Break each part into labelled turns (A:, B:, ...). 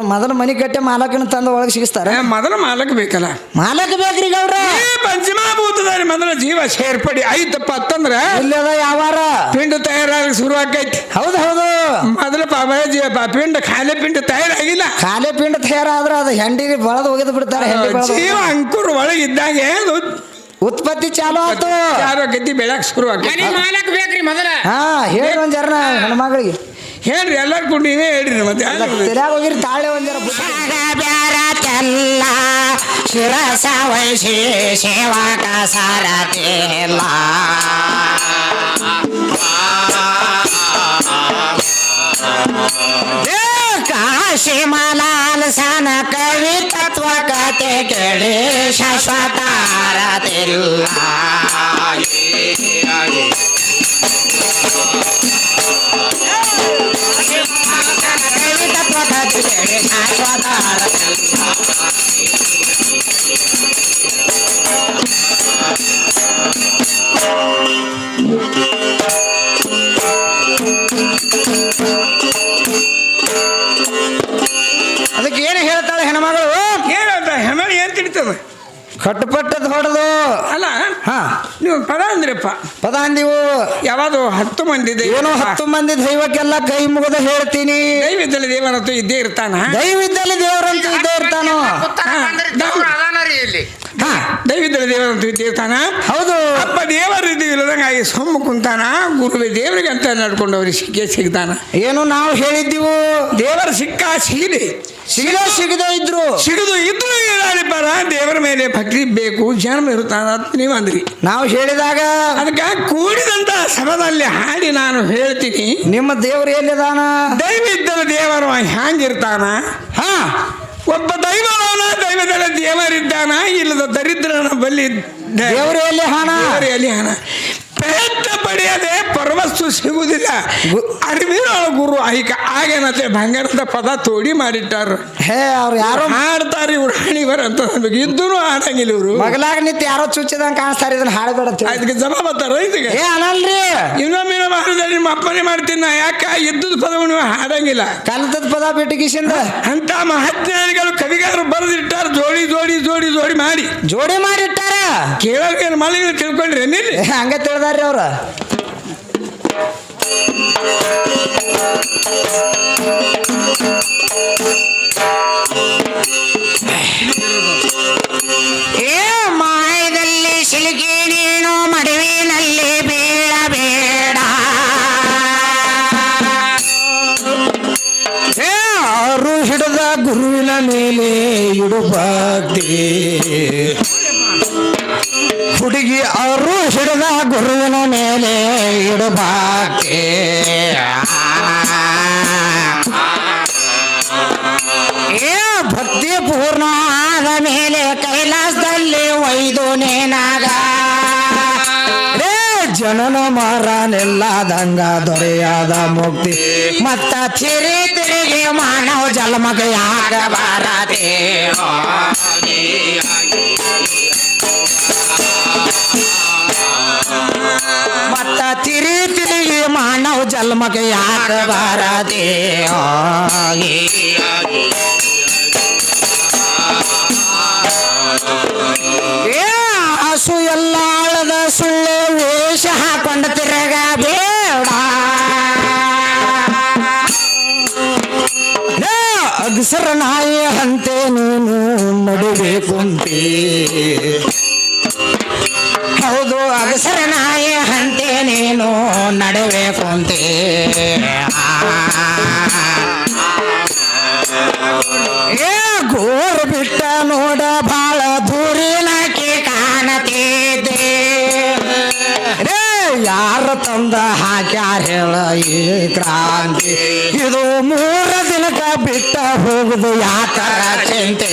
A: ಮೊದಲು ಮನಿ ಕಟ್ಟೆ ಮಾಲಕನ ತಂದು ಒಳಗೆ ಸಿಗಿಸ್ತಾರ
B: ಮೊದಲು ಮಾಲಕ್ ಬೇಕಲ್ಲ
A: ಮಾಲಕ ಬೇಕ್ರಿ ಗೌಡ್ರ
B: ಪಂಚಮಭೂತದಾರಿ ಮೊದಲ ಜೀವ ಸೇರ್ಪಡಿ ಐತಪ್ಪ ಅಂತಂದ್ರ
A: ಇಲ್ಲದ ಯಾವಾರ
B: ಪಿಂಡ ತಯಾರಾಗ ಶುರು ಆಕೈತಿ
A: ಹೌದು ಹೌದು
B: ಮೊದಲ ಪಿಂಡ ಖಾಲಿ ಪಿಂಡ ತಯಾರಾಗಿಲ್ಲ
A: ಖಾಲಿ ಪಿಂಡ ತಯಾರಾದ್ರ ಅದು ಹೆಂಡಿಗೆ ಬಳದು ಒಗೆದು ಬಿಡ್ತಾರೆ
B: ಜೀವ ಅಂಕುರ್ ಒಳಗೆ ಇದ್ದಾಗ
A: ಉತ್ಪತ್ತಿ ಚಾಲು ಆಯ್ತು
B: ಯಾರೋ ಗದ್ದಿ ಬೆಳಕ್ ಶುರು ಆಕೈತಿ
C: ಮಾಲಕ್ ಬೇಕ್ರಿ ಮೊದಲ
A: ಹಾ ಹೇಳಿ ಒಂದ್ ಜರ ಹೆಣ್ಮಗಳಿಗೆ
B: ಹೇಳ್ರಿ ಎಲ್ಲಾರು ಕೂಡ ನೀವೇ ಹೇಳ್ರಿ ಮತ್ತೆ
A: ತೆರ್ಯಾಗ ಹೋಗಿರಿ ತಾಳೆ ಒಂದ್ ಜರ
C: ಬ್ಯಾರತೆಲ್ಲ ಶಿರಸ ವಹಿಸಿ ಸೇವಕ ಸಾರತಿಲ್ಲ ಕಾಶಿ ಮಲಾಲ್ ಸನ ಕವಿ ತತ್ವ ಕತೆ ಕೇಳಿ ಶಾಶ್ವತ ರತಿಲ್ಲ
A: ಅದಕ್ಕೆ ಏನು ಹೇಳ್ತಾಳೆ ಹೆಣ್ಮಗಳು
B: ಏನಂತ ಹೆಣ್ಣು ಏನ್ ತಿಳಿತದ
A: ಕಟ್ಟುಪಟ್ಟದ್ ಹೊಡೆದು
B: ಅಲ್ಲ
A: ಹಾ
B: ನೀವು ಪದ ಅಂದ್ರಪ್ಪ
A: ಪದ ಅಂದಿವು
B: ಯಾವುದು 10 ಮಂದಿ
A: ಏನೋ 10 ಮಂದಿ ದೈವಕ್ಕೆಲ್ಲ ಕೈ ಮುಗಿದು ಹೇಳ್ತೀನಿ
B: ದೈವದಲ್ಲಿ ದೇವರಂತೂ ಇದ್ದೇ ಇರ್ತಾನ
A: ದೈವದಲ್ಲಿ ದೇವರಂತೂ ಇದ್ದೇ ಇರ್ತಾನೋ
B: ದೈವದಲ್ಲಿ ದೇವರಂತೂ ಇದ್ದೇ ಇರ್ತಾನ
A: ಹೌದು
B: ಅಪ್ಪ ದೇವರು ಇಲ್ಲದಂಗಾಗಿ ಸೊಮ್ಮ ಕುಂತಾನ ಗುರುವೆ ದೇವರಿಗೆ ಅಂತ ನಡ್ಕೊಂಡವ್ರಿಗೆ ಸಿಗ್ತಾನ
A: ಏನು ನಾವು ಹೇಳಿದ್ದೀವು
B: ದೇವರ
A: ಸಿಗದೇ ಇದ್ರು
B: ಸಿಗದು ಇದ್ರು ಏನಾಳಿಪಾರ ದೇವರ ಮೇಲೆ ಭಕ್ತಿ ಬೇಕು ಜನ್ಮ ಇರುತ್ತಾನ ಅಂತ ನೀವು ಅಂದ್ರಿ
A: ನಾವು ಹೇಳಿದಾಗ
B: ಅದಕ್ಕೆ ಕೂಡಿದಂತ ಸಭದಲ್ಲಿ ಹಾಡಿ ನಾನು ಹೇಳ್ತೀನಿ
A: ನಿಮ್ಮ ದೇವರು ಎಲ್ಲಿದಾನ
B: ದೈವ ಇದ್ದರೆ ದೇವರು ಹ್ಯಾಂಗಿರ್ತಾನ
A: ಹಾ
B: ಒಬ್ಬ ದೈವನ ದೈವದಲ್ಲಿ ದೇವರಿದ್ದಾನ ಇಲ್ಲದ ದರಿದ್ರನ ಬಲ್ಲಿ
A: ದೇವರು ಎಲ್ಲಿ ಹಣ
B: ಪ್ರಯತ್ನ ಪಡೆಯದೆ ಪರವಸ್ತು ಸಿಗುವುದಿಲ್ಲ ಅರಿವಿನ ಗುರು ಐಕ ಆಗೇನಂತೆ ಬಂಗಾರದ ಪದ ತೋಡಿ ಮಾಡಿಟ್ಟಾರ
A: ಹೇ ಅವ್ರು ಯಾರೋ
B: ಹಾಡ್ತಾರೆ ಇವ್ರು ಹಾಣಿವರ ಅಂತ ಇದ್ದೂ ಹಾಡಂಗಿಲ್ಲ ಇವರು
A: ಮಗಲಾಗ ನಿಂತು ಯಾರೋ ಚುಚ್ಚಿದಂಗ ಕಾಣಿಸ್ತಾರೆ ಇದನ್ನ ಹಾಡಬೇಡ
B: ಅದಕ್ಕೆ ಜಮ ಬರ್ತಾರ ಇದಕ್ಕೆ
A: ಏ ಅನಲ್ರಿ
B: ಇನ್ನೊಮ್ಮೆ ಮಾಡಿದ್ರೆ ನಿಮ್ಮ ಅಪ್ಪನೇ ಮಾಡ್ತೀನಿ ನಾ ಯಾಕ ಇದ್ದದ ಪದವನ್ನು ನೀವು ಹಾಡಂಗಿಲ್ಲ
A: ಕಲಿತದ ಪದ ಬಿಟ್ಟಿಗಿಸಿಂದ
B: ಅಂತ ಮಹಾಜ್ಞಾನಿಗಳು ಕವಿಗಾರರು ಬರೆದಿಟ್ಟಾರ ಜೋಡಿ ಮಾಡಿಟ್ಟಾರ ಕೇಳೋಕೆ ಮಳೆ ತಿಳ್ಕೊಂಡ್ರಿ ಏನಿಲ್ಲ
A: ಹಂಗ ತಿಳಿದಾರ್ರಿ ಅವ್ರ
C: ಏ ಮಾಯದಲ್ಲಿ ಸಿಲುಕಿ ನೀನು ಮಡುವಿನಲ್ಲಿ ಬೀಳಬೇಡ
A: ಅವರು ಹಿಡಿದ ಗುರುವಿನ ಮೇಲೆ ಇಡುಬಾಗ್ದೆ ಹುಡುಗಿ ಅವರು ಹಿಡಿದ ಗುರುವಿನ ಮೇಲೆ ಇಡುಬಾಗ್ದೆ
C: ಏ ಭಕ್ತಿ ಪೂರ್ಣ ಆದ ಮೇಲೆ ಕೈಲಾಸದಲ್ಲಿ ಒಯ್ದು ನೇನಾಗ
A: ಜನನ ಮಾರನೆಲ್ಲದಂಗ ದೊರೆಯಾದ ಮುಕ್ತಿ
C: ಮತ್ತ ತಿರುಗಿ ಮಾನವ ಜನ್ಮಕ್ಕೆ ಆಗಬಾರದೆ ಮತ್ತ ತಿರುಗಿ ಮಾನವ ಜನ್ಮಕ್ಕೆ ಆಗಬಾರದೆ ಹಸು ಎಲ್ಲ ಆಳದ ಸುಳ್ಳು ವೇಷ ಹಾಕೊಂಡ ತಿರಗ ಬೇಡ
A: ಅಗಸರ ನಾಯಿ ಹಂತೆ ನೀನು ನಡುಬೇಕುಂತೆ
C: ಹೌದು ಅಗಸರ ನಾಯಿ ಹಂತೆ ನೀನು ನಡಬೇಕಂತೆ
A: ಏ ಗೋರು ಬಿಟ್ಟ ನೋಡ ಬಾಳ
C: ದೂರಿನಕ್ಕೆ ಕಾಣತಿದ್ದೆ
A: ಯಾರ ತಂದ ಹಾಕ್ಯಾರ ಹೇಳ ಈ ಕ್ರಾಂತಿ ಇದು 3 ದಿನಕ್ಕ ಬಿಟ್ಟ ಹೋಗುದು ಯಾಕರ ಚಿಂತೆ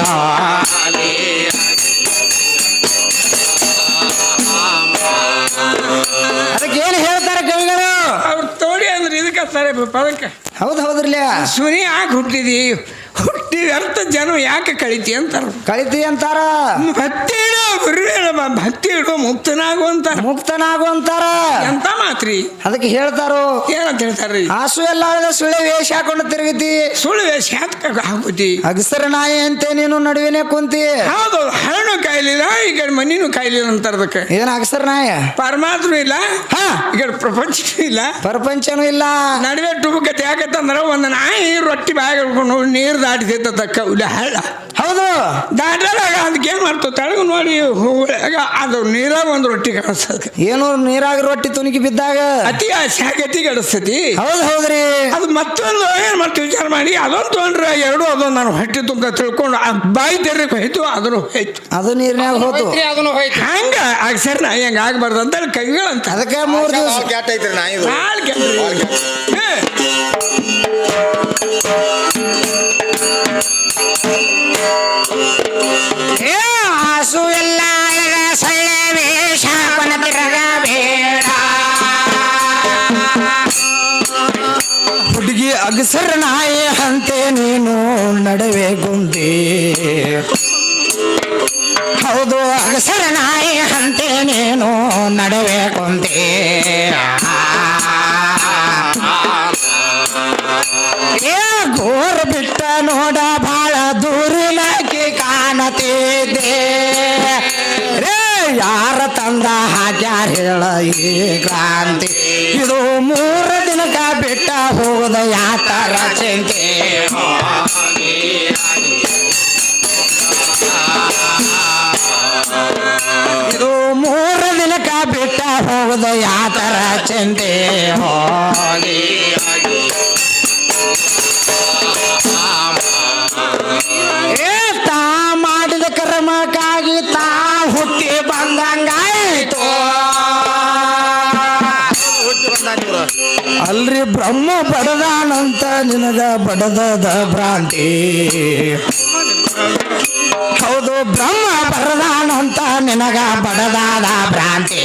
A: ಅದಕ್ಕೆ ಏನು ಹೇಳ್ತಾರೆ ಕವಿಗಳು
B: ಅವ್ರು ತೋಡಿ ಅಂದ್ರೆ ಇದಕ್ಕೆ ಪದಕ್ಕೆ
A: ಹೌದ್ರಲ್ಲ
B: ಸುನಿ ಯಾಕೆ ಹುಟ್ಟಿದಿ ನೀ ವ್ಯರ್ಥ ಜನ ಯಾಕೆ ಕಳಿತಿ ಅಂತಾರ.
A: ಕಳಿತಿ ಅಂತಾರ.
B: ಭಕ್ತಿ ಇಡು ಗುರುವೇಳಮ್ಮ, ಭಕ್ತಿ ಇಡು ಮುಕ್ತನಾಗು ಅಂತಾರ.
A: ಮುಕ್ತನಾಗು ಅಂತಾರ.
B: ಎಂತ ಮಾತ್ರಿ
A: ಅದಕ್ಕೆ ಹೇಳ್ತಾರೋ
B: ಏನಂತ ಹೇಳ್ತಾರ್ರಿ?
A: ಹಾಸು ಎಲ್ಲ ಸುಳ್ಳೆ ವೇಷ ಹಾಕೊಂಡು ತಿರುಗಿತಿ,
B: ಸುಳ್ಳು ವೇಷ ಹಾಕುತ್ತಿ,
A: ಅಗಸರ ನಾಯಿ ಅಂತೆ ನೀನು ನಡುವಿನೇ ಕುಂತಿ.
B: ಹೌದು, ಹಣ್ಣು ಕಾಯ್ಲಿಲ್ಲ ಈ ಕಡೆ ಮನಿನೂ ಕಾಯ್ಲಿಲ್ಲ ಅಂತಾರ. ಅದಕ್ಕೆ
A: ಏನ್ ಅಗಸರ ನಾಯ?
B: ಪರಮಾತ್ಮ ಇಲ್ಲ,
A: ಹಾ,
B: ಈ ಕಡೆ ಪ್ರಪಂಚನೂ ಇಲ್ಲ,
A: ಪ್ರಪಂಚನೂ ಇಲ್ಲ.
B: ನಡುವೆ ಟುಬುಕತೆ ಯಾಕಂತಂದ್ರ ಒಂದು ನಾಯಿ ರೊಟ್ಟಿ ಬಾಯಿಗೆ ಹಿಡ್ಕೊಂಡು ನೀರು ದಾಟಿತೈತ ತಕ್ಕ ಹಳ್ಳ.
A: ಹೌದು,
B: ದಾಟಾಗ ಅದಕ್ಕೆ ಏನ್ ಮಾಡ್ತಾವ ತೆಳಗು ನೋಡಿ ಅದು ನೀರಾಗ ಒಂದು ರೊಟ್ಟಿ ಕಾಣಿಸ್ತದೆ.
A: ಏನು ನೀರಾಗ ರೊಟ್ಟಿ ತುಣುಕಿ ಬಿದ್ದಾಗ
B: ಅತಿ ಆಸೆ ಗತಿ ಗಡಿಸ್ತತಿ.
A: ಹೌದು ಹೌದ್ರಿ.
B: ಅದು ಮತ್ತೊಂದು ಏನ್ ಮಾಡ್ತೀವಿ ವಿಚಾರ ಮಾಡಿ ಅದೊಂದು ತೊಗೊಂಡ್ರೆ ಎರಡು ಅದೊಂದು ನಾನು ಹೊಟ್ಟೆ ತುಂಬ ತಿಳ್ಕೊಂಡು ಬಾಯಿ ತೆರಕ್ಕೆ ಹೋಯ್ತು, ಅದನ್ನು ಹೋಯ್ತು,
A: ಅದು ನೀರಿನಾಗ ಹೋತು,
B: ಅದನ್ನು ಹೋಯ್ತು. ಹಂಗ ಸರಿ ನಾ ಹೆಂಗ ಆಗ್ಬಾರ್ದು ಅಂತ ಕವಿಗಳಂತ. ಅದಕ್ಕೆ
A: 3 ದಿವಸ
B: ಭಾಳ ಕೆಟ್ಟ.
C: ಹಾಸು ಎಲ್ಲ ಸೊಳ್ಳೆ ವೇಷ ಹಾಕೊಂಡು ತಿರುಗಬೇಡ.
A: ಹುಡುಗಿ ಅಗಸರ ನಾಯಿ ಅಂತೆ ನೀನು ನಡುವೆ ಗುಂಡಿ.
C: ಹೌದು, ಅಗಸರ ನಾಯಿ ಅಂತೆ ನೀನು ನಡುವೆ ಕುಂತೆ.
A: ಗೋರ್ ಬಿಟ್ಟ ನೋಡ ಬಾಳ ದೂರಿನಕ್ಕೆ ಕಾಣತಿದ್ದೆ ರೇ. ಯಾರ ತಂದ ಹಾಕ್ಯಾರ ಹೇಳ ಈ ಕ್ರಾಂತಿ, ಇದು 3 ದಿನಕ ಬಿಟ್ಟ ಹೋದ ಯಾತರ ಚಿಂತೆ. ಇದು 3 ದಿನಕ ಬಿಟ್ಟ ಹೋದ ಯಾತರ ಚಿಂತೆ. ತಾ ಮಾಡಿದ ಕರ್ಮಕ್ಕಾಗಿ ತಾ ಹುಟ್ಟಿ ಬಂದಂಗಾಯ್ತು. ಅಲ್ರಿ ಬ್ರಹ್ಮ ಬಡದಾನಂತ ನಿನಗ ಬಡದದ ಭ್ರಾಂತಿ. ಹೌದು, ಬ್ರಹ್ಮ ಬಡದಾನಂತ ನಿನಗ ಬಡದಾದ ಭ್ರಾಂತಿ.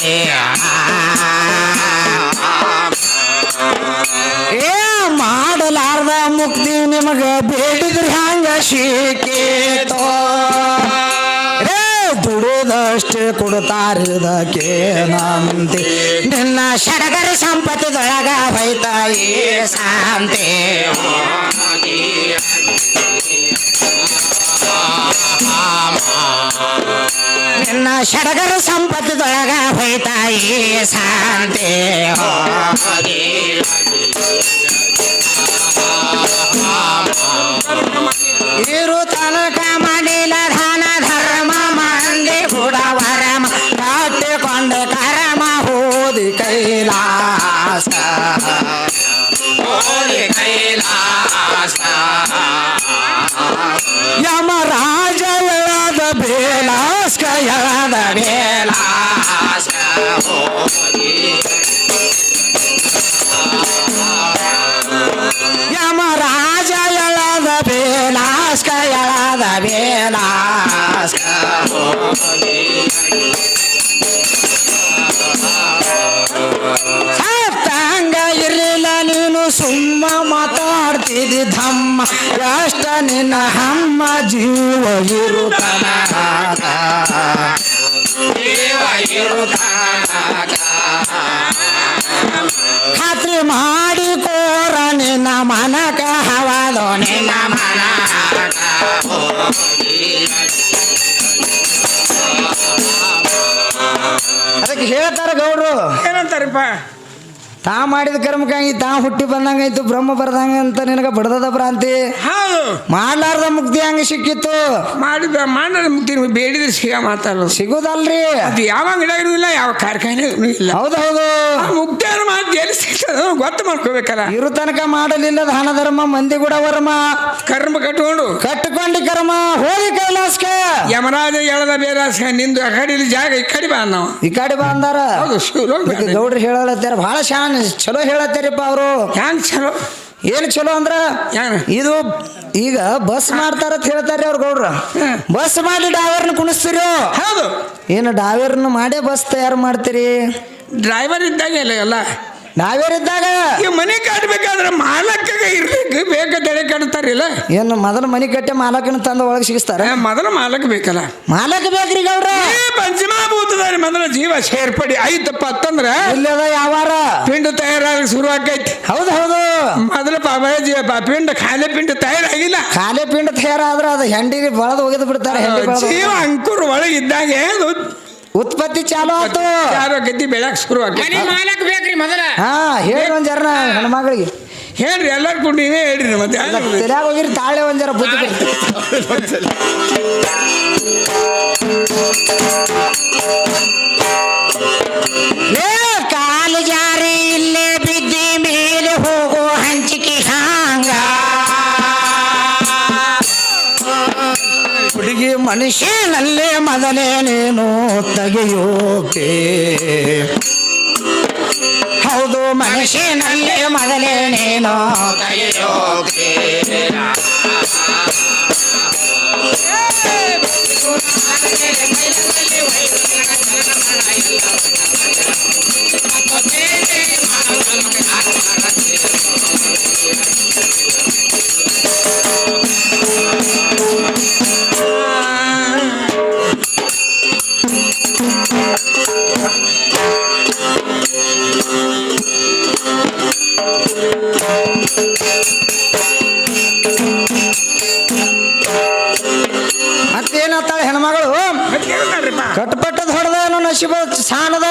A: ಮಾಡಲಾರ್ದ ಮುಕ್ತಿ ನಿಮಗ ಬೇಡಿದ್ರಿ ಹಂಗ ಸಿಕ್ಕೇತೋ ರೇ. ದುಡುದಷ್ಟೇ ಕೊಡ್ತಾರಿದಕ್ಕೆ ನಂತೆ,
C: ನಿನ್ನ ಸಡಗರ ಸಂಪತ್ತದೊಳಗ ಹೋಯ್ತಾಯಿ ಶಾಂತಿ. ನಿನ್ನ ಸಡಗರ ಸಂಪತ್ತದೊಳಗ ಹೋಯ್ತಾಯಿ ಶಾಂತಿ. ಇರು ತನಕ ಮಾಡಿಲ್ಲ ದಾನ ಧರ್ಮ ಮಂದಿ ಹುಡವರಮ ಕಟ್ಟಿಕೊಂಡ ಕರಮ ಹೋದಿ ಕೈಲಾಸ.
A: ಯಮರಾಜ ಎಳದ ಬೇಲಾಸ್ಕ ಎಳದ
C: ಬೇಲಾಸ.
A: ಯಮರಾಜ ಎಳದ ಬೇಲಾಸ್ಕ ಎಳದ ಬೇಲಾಸ್ಕ. ಸತ್ತಂಗ ಇರಲಿಲ್ಲ ನೀನು ಸುಮ್ಮ ಮಾತಾಡ್ತಿದ್ದಿ ಧಮ್ಮ. ಎಷ್ಟ ನಿನ್ನ ಹಮ್ಮ ಜೀವ ಇರುತ್ತನ ಖಾತ್ರಿ ಮಾಡಿ ಕೋರ ನಿನ್ನ ಮನಕ ಹವಾದೋ ನಿನ್ನ ಮನ. ಅದಕ್ಕೆ ಹೇಳ್ತಾರ ಗೌಡ್ರು
B: ಏನಂತಾರಪ್ಪ?
A: ತಾ ಮಾಡಿದ ಕರ್ಮಕ್ಕಾಗಿ ತಾ ಹುಟ್ಟಿ ಬಂದಂಗಾಯ್ತು, ಬ್ರಹ್ಮ ಬರ್ದಂಗ ಅಂತ ನಿನಗ ಬಡದದ ಭ್ರಾಂತಿ.
B: ಹೌದು,
A: ಮಾಡ್ಲಾರ್ದ ಮುಕ್ತಿ ಹಂಗ ಸಿಕ್ಕಿತ್ತು.
B: ಮಾಡಿದ ಮುಕ್ತಿ ಬೇಡಿದ್ರೆ ಮಾತಾಡೋದು
A: ಸಿಗೋದಲ್ರಿ.
B: ಅದು ಯಾವ ಅಂಗಡಿಯಾಗ ಇರುವುದಿಲ್ಲ, ಯಾವ ಕಾರ್ಖಾನೆ ಇಲ್ಲ.
A: ಹೌದು ಹೌದು,
B: ಮುಕ್ತಿಯವ್ರ ಮಾತು ಎಲ್ಲಿ ಸಿಗ್ತದ ಗೊತ್ತು ಮಾಡ್ಕೋಬೇಕಲ್ಲ.
A: ಇರು ತನಕ ಮಾಡಲಿಲ್ಲ ದಾನ ಧರ್ಮ ಮಂದಿ ಕೂಡ ವರ್ಮ
B: ಕರ್ಮ
A: ಕಟ್ಟಿಕೊಂಡಿ ಕರ್ಮ ಹೋಗಿ ಕೈಲಾಸ್ಕ.
B: ಯಮರಾಜ ಎಳದ ಬೇರಾಸ ನಿಂದು ಆ ಕಡೆ ಜಾಗ ಈ ಕಡೆ ಬಾ ನಾವು
A: ಈ ಕಡೆ ಬಂದಾರ.
B: ಹೌದು,
A: ಗೌಡ್ರು ಹೇಳತ್ತಾರ ಬಹಳ ಶಾನ್ ಚಲೋ ಹೇಳತ್ತಾರಿಪ್ಪ ಅವರು.
B: ಹ್ಯಾಂಗ ಚಲೋ?
A: ಏನು ಚಲೋ ಅಂದ್ರ ಇದು ಈಗ ಬಸ್ ಮಾಡ್ತಾರ ಅಂತ ಹೇಳ್ತಾರ್ರಿ ಅವ್ರ ಗೌಡ್ರ. ಬಸ್ ಮಾಡಿ ಡ್ರೈವರ್ನ ಕುಣಿಸ್ತೀರಿ.
B: ಹೌದು,
A: ಏನು ಡ್ರೈವರ್ನ ಮಾಡೇ ಬಸ್ ತಯಾರು ಮಾಡ್ತೀರಿ?
B: ಡ್ರೈವರ್ ಇದ್ದಾಗ ಎಲ್ಲ
A: ನಾವೇರಿದ್ದಾಗ
B: ಈ ಮನೆ ಕಟ್ಬೇಕಾದ್ರೆ ಮಾಲಕ್ಕ ಇರ್ಬೇಕು ಬೇಕಂತೇಳಿ ಕಟ್ತಾರಿಲ್ಲ.
A: ಏನು ಮೊದಲು ಮನಿ ಕಟ್ಟೆ ಮಾಲಕನ ತಂದು ಒಳಗೆ ಸಿಗಿಸ್ತಾರ.
B: ಮೊದಲು ಮಾಲಕ್ ಬೇಕಲ್ಲ.
A: ಮಾಲಕ ಬೇಕ್ರಿ ಗೌಡ್ರ.
B: ಪಂಚಮಭೂತದಲ್ಲಿ ಮೊದಲ ಜೀವ ಸೇರ್ಪಡಿ ಆಯ್ತಪ್ಪ ಅಂತಂದ್ರ
A: ಇಲ್ಲದ ಯಾವಾರ
B: ಪಿಂಡ ತಯಾರಾಗ ಶುರು ಆಕೈತಿ.
A: ಹೌದು ಹೌದು.
B: ಮೊದಲ ಪಿಂಡ ಖಾಲಿ ಪಿಂಡ ತಯಾರಾಗಿಲ್ಲ.
A: ಖಾಲಿ ಪಿಂಡ ತಯಾರಾದ್ರ ಅದು ಹೆಂಡಿಗೆ ಬಳದು ಒಗೆದು ಬಿಡ್ತಾರೆ.
B: ಜೀವ ಅಂಕುರ್ ಒಳಗಿದ್ದಾಗ
A: ಉತ್ಪತ್ತಿ ಚಾಲು ಆಯ್ತು.
B: ಗದ್ದಿ ಬೆಳಕ್ ಶುರು ಆಕೈತಿ.
C: ಮಾಲಕ್ ಬೇಕ್ರಿ ಮೊದಲ.
A: ಹಾ ಹೇಳಿ ಒಂದ್ ಜರ ಹೆಣ್ಮಗಳಿಗೆ
B: ಹೇಳ್ರಿ ಎಲ್ಲಾರು ಕೂಡ ನೀವೇ ಹೇಳ್ರಿ. ಮತ್ತೆ
A: ತಲೆಯಾಗ ಹೋಗಿರಿ ತಾಳೆ ಒಂದ್ ಜರ ಬುದ್ಧಿ
C: ಕಾಲು ಜಾರಿ ಇಲ್ಲೇ ಬಿದ್ದಿ ಮೇಲೆ ಹೋಗೋ ಹಂಚಿಕೆ ಹಾಂಗ
A: ಹುಡುಗಿ ಮನುಷ್ಯನಲ್ಲೇ ಮೊದಲೇ ನೀನು ತೆಗೆಯೋಕೆ. ಹೌದು ಮನುಷ್ಯನಲ್ಲೇ ಮೊದಲೇ ನೀನು ತೆಗೆಯೋಕೆ. ಮತ್ತೇನತ್ತಾಳೆ ಹೆಣ್ಮಗಳು ಕಟ್ಪಟ್ಟದ ಹೊಡೆದ ನಶೀಬ ಸಾಣದ.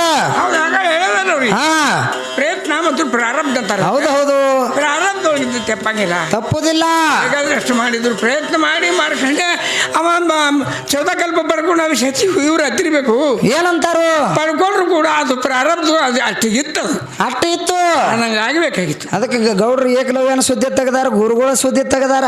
A: ಹಾ
B: ಪ್ರಯತ್ನ ಮತ್ತು ಪ್ರಾರಂಭ ಅಂತಾರೆ.
A: ಹೌದು ಹೌದು.
B: ಪ್ರಾರಂಭದೊಳಗಿದ್ದು ತೆಪ್ಪಂಗಿಲ್ಲ,
A: ತಪ್ಪುದಿಲ್ಲ.
B: ಬೇಕಾದ್ರೆ ಅಷ್ಟು ಮಾಡಿದ್ರು ಪ್ರಯತ್ನ ಮಾಡಿ ಮಾಡ್ಕೊಂಡೆ ಅವ ಚೌದಕಲ್ಪ ಪಡ್ಕೊಂಡು ಅವು ಸಚಿವ ಇವ್ರು ಹತ್ತಿರಬೇಕು.
A: ಏನಂತಾರು
B: ಪಡ್ಕೊಂಡ್ರು ಕೂಡ ಅದು ಪ್ರಾರಂಭ ಅದು ಅಷ್ಟಿಗಿತ್ತು.
A: ಅಷ್ಟು ಇತ್ತು
B: ನಂಗೆ ಆಗಬೇಕಾಗಿತ್ತು.
A: ಅದಕ್ಕೆ ಗೌಡ್ರು ಏಕಲವ್ಯನ ಸುದ್ದಿ ತೆಗದಾರ, ಗುರುಗಳ ಸುದ್ದಿ ತೆಗದಾರ.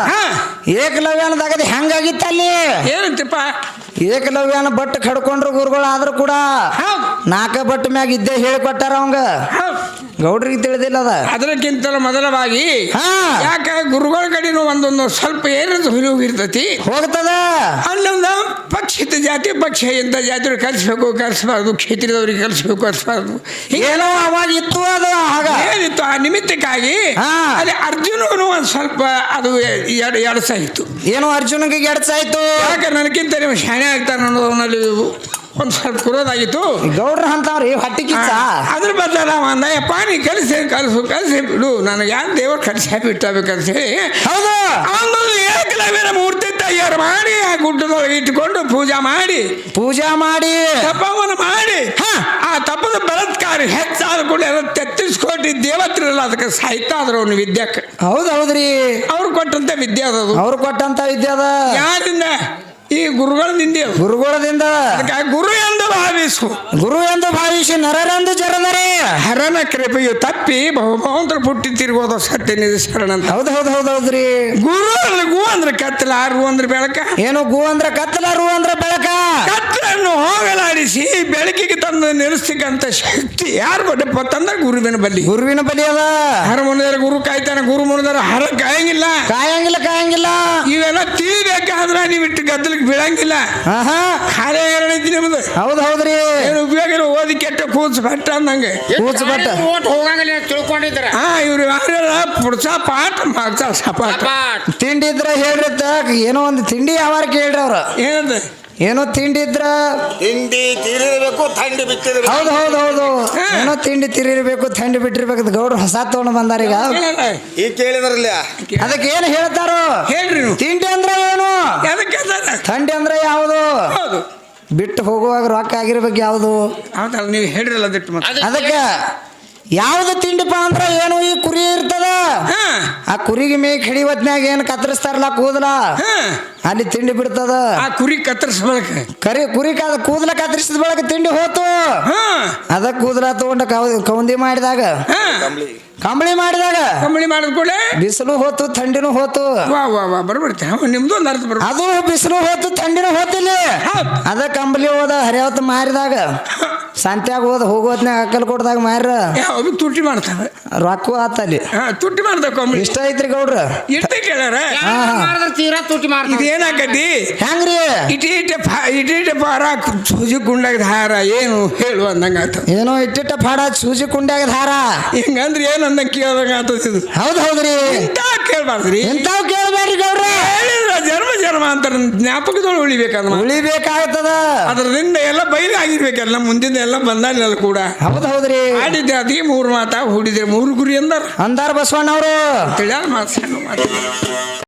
A: ಏಕಲವ್ಯನದಾಗದ ಹೆಂಗಾಗಿತ್ತ ಅಲ್ಲಿ
B: ಏನಂತಪ್ಪ?
A: ಏಕಲವ್ಯನ ಬಟ್ ಕಡ್ಕೊಂಡ್ರು ಗುರುಗಳು ಆದ್ರೂ ಕೂಡ ನಾಲ್ಕ ಬಟ್ ಮ್ಯಾಗ ಇದ್ದೇ ಹೇಳಿಕೊಟ್ಟಾರ ಅವಂಗ. ಗೌಡ್ರಿಗೆ ತಿಳಿದಿಲ್ಲ ಅದ.
B: ಅದಕ್ಕಿಂತಲೂ ಮೊದಲವಾಗಿ ಯಾಕೆ ಗುರುಗಳ ಕಡೆನೂ ಒಂದೊಂದು ಸ್ವಲ್ಪ ಏನಂತ ಹೋಗಿರ್ತತಿ
A: ಹೋಗ್ತದ.
B: ಅಲ್ಲೊಂದು ಪಕ್ಷಿತ ಜಾತಿ ಪಕ್ಷ ಎಂತ ಜಾತಿ ಕಲಿಸ್ಬೇಕು ಕಲಿಸ್ಬಾರ್ದು, ಕ್ಷೇತ್ರದವ್ರಿಗೆ ಕಲಿಸ್ಬೇಕು ಕಲಿಸ್ಬಾರ್ದು,
A: ಏನೋ ಅವಾಗ ಇತ್ತು. ಅದು ಆಗ
B: ಏನಿತ್ತು ಆ ನಿಮಿತ್ತಕ್ಕಾಗಿ ಅಲ್ಲಿ ಅರ್ಜುನಗೂ ಒಂದು ಸ್ವಲ್ಪ ಅದು ಎಡಸಾಯಿತು.
A: ಏನೋ ಅರ್ಜುನಿಗೆ ಎಡಸಾಯ್ತು.
B: ಯಾಕೆ ನನಗಿಂತ ನೀವು ಶಾಣೆ ಆಗ್ತಾನೆ ಅನ್ನೋದರಲ್ಲಿ ಒಂದು ಸ್ವಲ್ಪ ಕುರೋದಾಗಿತ್ತು.
A: ಗೌಡ್ರ ಅಂತವ್ರಿ ಹೊಟ್ಟಿ ಕಿಚ್ಚ.
B: ಅದ್ರ ಬದಲ ಅಂದಯ್ಯಪ್ಪ ನೀ ಕಲಿಸಿ ಬಿಡು, ನನಗೆ ಯಾರು ದೇವ್ರ ಕಲಿಸಿ ಬಿಟ್ಟಬೇಕಂತ ಹೇಳಿ
A: ಹೌದು
B: ಅವನೊಂದು ಏಕಲವ್ಯನ ಮೂರ್ತಿ ತಯಾರು ಮಾಡಿ ಆ ಗುಡ್ಡದೊಳಗೆ ಇಟ್ಟುಕೊಂಡು ಪೂಜಾ ಮಾಡಿ ತಪವನ್ನು ಮಾಡಿ ಆ ತಪದ ಬಲತ್ಕಾರ ಹೆಚ್ಚಾದ ಕೂಡ ಎಲ್ಲ 33 ಕೋಟಿ ದೇವತ್ರಲ್ಲ ಅದಕ್ಕೆ ಸಾಹಿತ್ಯ ಆದ್ರು ಅವನು ವಿದ್ಯಾಕ್ಕೆ.
A: ಹೌದು ಹೌದ್ರಿ.
B: ಅವ್ರು ಕೊಟ್ಟಂತ ವಿದ್ಯೆ ಅದದು.
A: ಅವ್ರು ಕೊಟ್ಟಂತ ವಿದ್ಯೆ ಅದ.
B: ಯಾರಿಂದ? ಈ ಗುರುಗಳಿಂದ.
A: ಗುರುಗಳದಿಂದ. ಗುರು ಎಂದು ಭಾವಿಸಿ ನರರೆಂದು ಜರದರೆ
B: ಹರನ ಕೃಪೆಯು ತಪ್ಪಿ ಬಹುಮಂತ್ರ ಪುಟ್ಟಿ ತಿರುಗೋದು ಸತ್ಯ ನಿಧಿಸರಣ ಅಂತ.
A: ಹೌದು ಹೌದು ಹೌದು ಹೌದ್ರಿ.
B: ಗುರು ಅಂದ್ರೆ ಗು ಅಂದ್ರೆ ಕತ್ತಲ, ರು ಅಂದ್ರೆ ಬೆಳಕ.
A: ಏನು ಗು ಅಂದ್ರೆ ಕತ್ತಲ, ರು ಅಂದ್ರೆ ಬೆಳಕ.
B: ಕತ್ತಲನ್ನು ಹೋಗಲಾಡಿಸಿ ಬೆಳಕಿಗೆ ತಂದು ನಿಲ್ಲಿಸ್ತಕ್ಕಂಥ ಶಕ್ತಿ ಯಾರು ಬಡ್ಡಪ್ಪ ತಂದ್ರೆ ಗುರುವಿನ ಬಲ್ಲಿ.
A: ಗುರುವಿನ ಬಲಿ ಅದ.
B: ಹರ ಮುನಿದರೆ ಗುರು ಕಾಯ್ತಾನೆ, ಗುರು ಮುನಿದರೆ ಹರ ಕಾಯಂಗಿಲ್ಲ. ಇವೆಲ್ಲ ತಿಳಿಬೇಕಾದ್ರೆ ನೀವು ಇಟ್ಟು ಗದ್ದಲಿಗೆ ಬೀಳಂಗಿಲ್ಲ. ಖಾಲಿ ಎರಡೈತಿ ನಿಮ್ದು.
A: ಹೌದು ಹೌದ್ರಿ.
B: ಏನು ಉಪಯೋಗ ಇಲ್ಲ, ಓದಿ ಕೆಟ್ಟ ಕೂಚ್ ಬಟ್ಟ ಅಂದಂಗೆ
A: ಕೂಚ್ ಬಟ್ಟ
C: ಹೋಗಂಗಿಲ್ಲ ತಿಳ್ಕೊಂಡಿದ್ರ.
B: ಇವ್ರು ಯಾರೆಲ್ಲ ಪುಡ್ಸ ಪಾಠ ಮಾಡ್ತಾ ಸಪಾಟ
A: ತಿಂಡಿ ಇದ್ರ ಹೇಳ್ರಿ. ಏನೋ ಒಂದು ತಿಂಡಿ ಯಾವಾರ ಕೇಳ್ರಿ ಅವ್ರ.
B: ಏನಂದ?
A: ಏನೋ ತಿಂಡಿ ಇದ್ರ
D: ತಿಂಡಿ ತಿರಿಬೇಕು, ಥಂಡಿ ಬಿಟ್ಟಿರ್ಬೇಕು.
A: ಹೌದು ಹೌದು ಹೌದು. ಏನೋ ತಿಂಡಿ ತಿರಿರ್ಬೇಕು, ಥಂಡಿ ಬಿಟ್ಟಿರ್ಬೇಕು. ಗೌಡ್ರು ಹೊಸ ತಗೊಂಡು ಬಂದಾರ ಈಗ.
D: ಈಗ ಕೇಳಿದ್ರಲ್ಲ
A: ಅದಕ್ಕೆ ಏನು ಹೇಳ್ತಾರೋ
B: ಹೇಳ್ರಿ.
A: ತಿಂಡಿ ಅಂದ್ರೆ ಏನು, ಥಂಡಿ ಅಂದ್ರೆ ಯಾವುದು,
B: ಹೌದು
A: ಬಿಟ್ಟು ಹೋಗುವಾಗ ರೊಕ್ಕ ಆಗಿರ್ಬೇಕು ಯಾವುದು.
B: ಹೌದಲ್ಲ, ನೀವು ಹೇಳ್ರಲ್ಲ ದಿಟ್ಟು.
A: ಅದಕ್ಕೆ ಯಾವ್ದು ತಿಂಡಿಪ್ಪ ಅಂದ್ರ ಏನು, ಈ ಕುರಿ ಇರ್ತದ. ಆ ಕುರಿಗೆ ಮೇಕ್ ಹಿಡಿವತ್ನ್ಯಾಗ ಏನ್ ಕತ್ತರಿಸ್ತಾರಲ್ಲ ಕೂದಲ, ಅಲ್ಲಿ ತಿಂಡಿ ಬಿಡ್ತದ.
B: ಆ ಕುರಿ ಕತ್ತರಿಸ್ಬೇಕ.
A: ಕುರಿ ಕೂದಲ ಕತ್ತರಿಸಿದ ಬಳಕ ತಿಂಡಿ ಹೋತು. ಅದ ಕೂದಲ ತಗೊಂಡ ಕೌಂದಿ ಮಾಡಿದಾಗ, ಕಂಬಳಿ ಮಾಡಿದ ಕೂಡ ಬಿಸಿಲು ಹೋತು, ಥಂಡಿನೂ ಹೋತು.
B: ಬರ್ಬಿಡ್ತೆ ನಿಮ್ದು ಒಂದು ಅರ್ಥ ಬರ್ಬೋದು.
A: ಅದು ಬಿಸಿಲು ಹೋತು, ಥಂಡಿನೂ ಹೋತಿಲ್ಲ. ಅದ ಕಂಬಳಿ ಹೋದ ಹರಿಯಾವತ್ತು ಮಾರಿದಾಗ ಸಂತ್ಯಾಗ ಹೋಗೋತ್ನಾಗ ಅಕ್ಕಲ್ ಕೊಡ್ದಾಗ ಮಾರ
B: ಯಾವ ತುಟ್ಟಿ ಮಾಡ್ತಾವೆ
A: ರೊಕ್ಕ ಆತಲ್ಲಿ
B: ತುಟ್ಟಿ ಮಾಡ್ತಾವ ಕಂಬಳಿ
A: ಇಷ್ಟ ಐತ್ರಿ ಗೌಡ್ರ
B: ಇರ್ತ ಕೇಳಾರ
C: ತೀರಾ ತುಟಿ ಮಾಡ್ತಾರೆ
B: ಇದೇನಾಕತಿ
A: ಹೆಂಗ್ರಿ
B: ಇಟೀಟ ಪಾರ ಸೂಜಿ ಕುಂಡಾಗ ಹಾರ ಏನು ಹೇಳು ಅಂದಂಗ ಆತ
A: ಏನೋ ಇಟ್ಟಿಟ್ಟ ಫಾಡ ಸೂಜಿ ಕುಂಡ್ಯಾಗ ಧಾರ
B: ಹಿಂಗಂದ್ರೆ ಏನು ಅಂದಂಗ ಕೇಳ್ದಂಗ ಆತದ
A: ಹೌದ್ರಿ
B: ಇಂತ ಕೇಳ್ಬಾರ್ದ್ರಿ
A: ಇಂತಾವ್ ಕೇಳ್ಬೇಡ್ರಿ ಗೌಡ್ರ
B: ಹೇಳಿದ್ರ ಜನ್ಮ ಅಂತ ಜ್ಞಾಪಕದೊಳಗೆ
A: ಉಳಿಬೇಕಾಗ್ತದ
B: ಅದರಿಂದ ಎಲ್ಲ ಬಯಲಾಗಿರ್ಬೇಕಲ್ಲ ಮುಂದಿನ ಎಲ್ಲ ಬಂದಾಗಲ್ಲ ಕೂಡ
A: ಹೌದ್ರಿ
B: ಆಡಿದ್ರೆ ಅದೇ 3 ಮಾತಾ ಹೂಡಿದ್ರೆ 3 ಗುರಿ ಅಂದಾರ
A: ಅಂದಾರ ಬಸವಣ್ಣವ್ರು
B: ತಿಳಿಯಾರ ಮಾತು